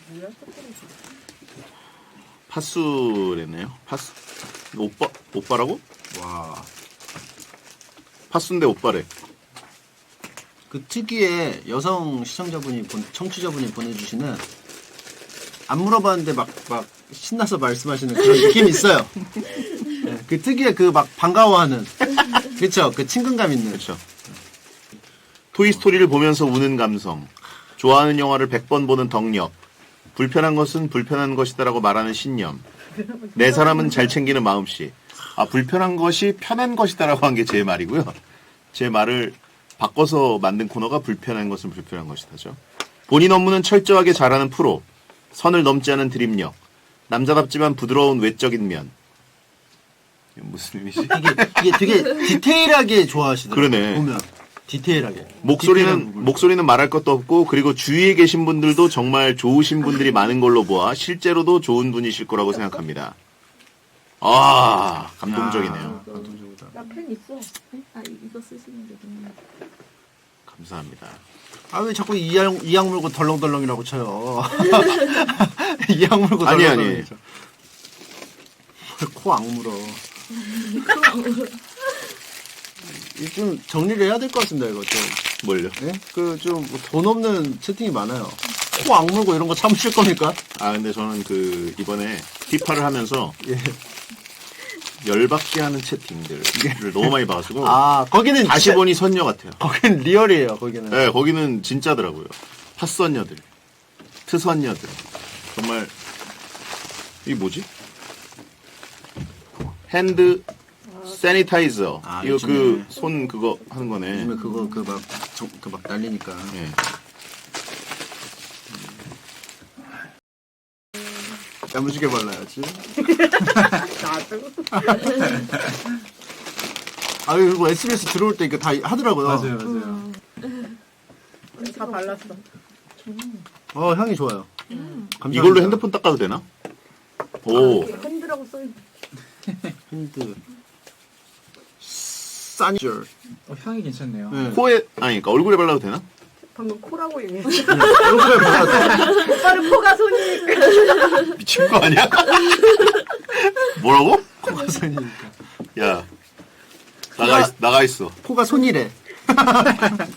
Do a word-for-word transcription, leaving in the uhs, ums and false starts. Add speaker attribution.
Speaker 1: 파수래네요. 파수. 오빠 오빠라고?
Speaker 2: 와.
Speaker 1: 파수인데 오빠래.
Speaker 2: 그 특유의 여성 시청자분이 본, 청취자분이 보내주시는 안 물어봤는데 막 막 신나서 말씀하시는 그런 느낌이 있어요. 네, 그 특유의 그 막 반가워하는 그쵸 그 친근감 있는
Speaker 1: 그렇죠. 토이스토리를 보면서 우는 감성. 좋아하는 영화를 백 번 보는 덕력. 불편한 것은 불편한 것이다라고 말하는 신념. 내 사람은 잘 챙기는 마음씨. 아, 불편한 것이 편한 것이다라고 한 게 제 말이고요. 제 말을 바꿔서 만든 코너가 불편한 것은 불편한 것이다죠. 본인 업무는 철저하게 잘하는 프로. 선을 넘지 않은 드립력. 남자답지만 부드러운 외적인 면. 이게 무슨 의미지?
Speaker 2: 이게, 이게 되게 디테일하게 좋아하시더라고요.
Speaker 1: 그러네.
Speaker 2: 보면 디테일하게
Speaker 1: 목소리는
Speaker 2: 디테일한
Speaker 1: 목소리는 말할 것도 없고 그리고 주위에 계신 분들도 정말 좋으신 분들이 많은 걸로 보아 실제로도 좋은 분이실 거라고 생각합니다. 아 감동적이네요.
Speaker 2: 아, 감동적이다.
Speaker 3: 나 펜 있어. 네? 아 이- 이거 쓰시면 되구나.
Speaker 1: 감사합니다.
Speaker 2: 아 왜 자꾸 이악 이악 물고 덜렁덜렁이라고 쳐요? 이악 물고
Speaker 1: 아니,
Speaker 2: 덜렁덜렁.
Speaker 1: 아니.
Speaker 2: 코 악물어. 이거 좀 정리를 해야 될 것 같습니다 이거 좀.
Speaker 1: 뭘요?
Speaker 2: 예? 그좀 돈 없는 채팅이 많아요. 코 악물고 이런 거 참으실 겁니까?
Speaker 1: 아 근데 저는 그 이번에 피파를 하면서
Speaker 2: 예.
Speaker 1: 열받게 하는 채팅들을 너무 많이 봐가지고
Speaker 2: 아 거기는
Speaker 1: 다시
Speaker 2: 진짜-
Speaker 1: 보니 선녀 같아요.
Speaker 2: 거기는 리얼이에요 거기는.
Speaker 1: 네, 거기는 진짜더라고요. 핫선녀들, 트선녀들. 정말 이게 뭐지? 핸드 세니타이저.
Speaker 2: 아,
Speaker 1: 이거
Speaker 2: 요즘에-
Speaker 1: 그 손 그거 하는 거네.
Speaker 2: 요즘에 그거 그 막 그 막 날리니까.
Speaker 1: 예.
Speaker 2: 야무지게 발라야지.
Speaker 3: 나도.
Speaker 2: 아 그리고 에스비에스 들어올 때 이거 다 하더라고요.
Speaker 4: 맞아요, 맞아요.
Speaker 3: 다 발랐어.
Speaker 2: 어 향이 좋아요. 감사합니다.
Speaker 1: 이걸로 핸드폰 닦아도 되나? 오.
Speaker 3: 핸드라고 써 있는.
Speaker 2: 핸드 사니절.
Speaker 4: 어, 향이 괜찮네요.
Speaker 2: 네.
Speaker 1: 코에 아니 그러니까 얼굴에 발라도 되나?
Speaker 3: 방금 코라고 얘기했어.
Speaker 2: 얼굴에 발라도
Speaker 3: 오빠는 코가 손이니까.
Speaker 1: 미친 거 아니야? 뭐라고?
Speaker 2: 코가 손이니까.
Speaker 1: 야 나가 있, 나가 있어.
Speaker 2: 코가 손이래.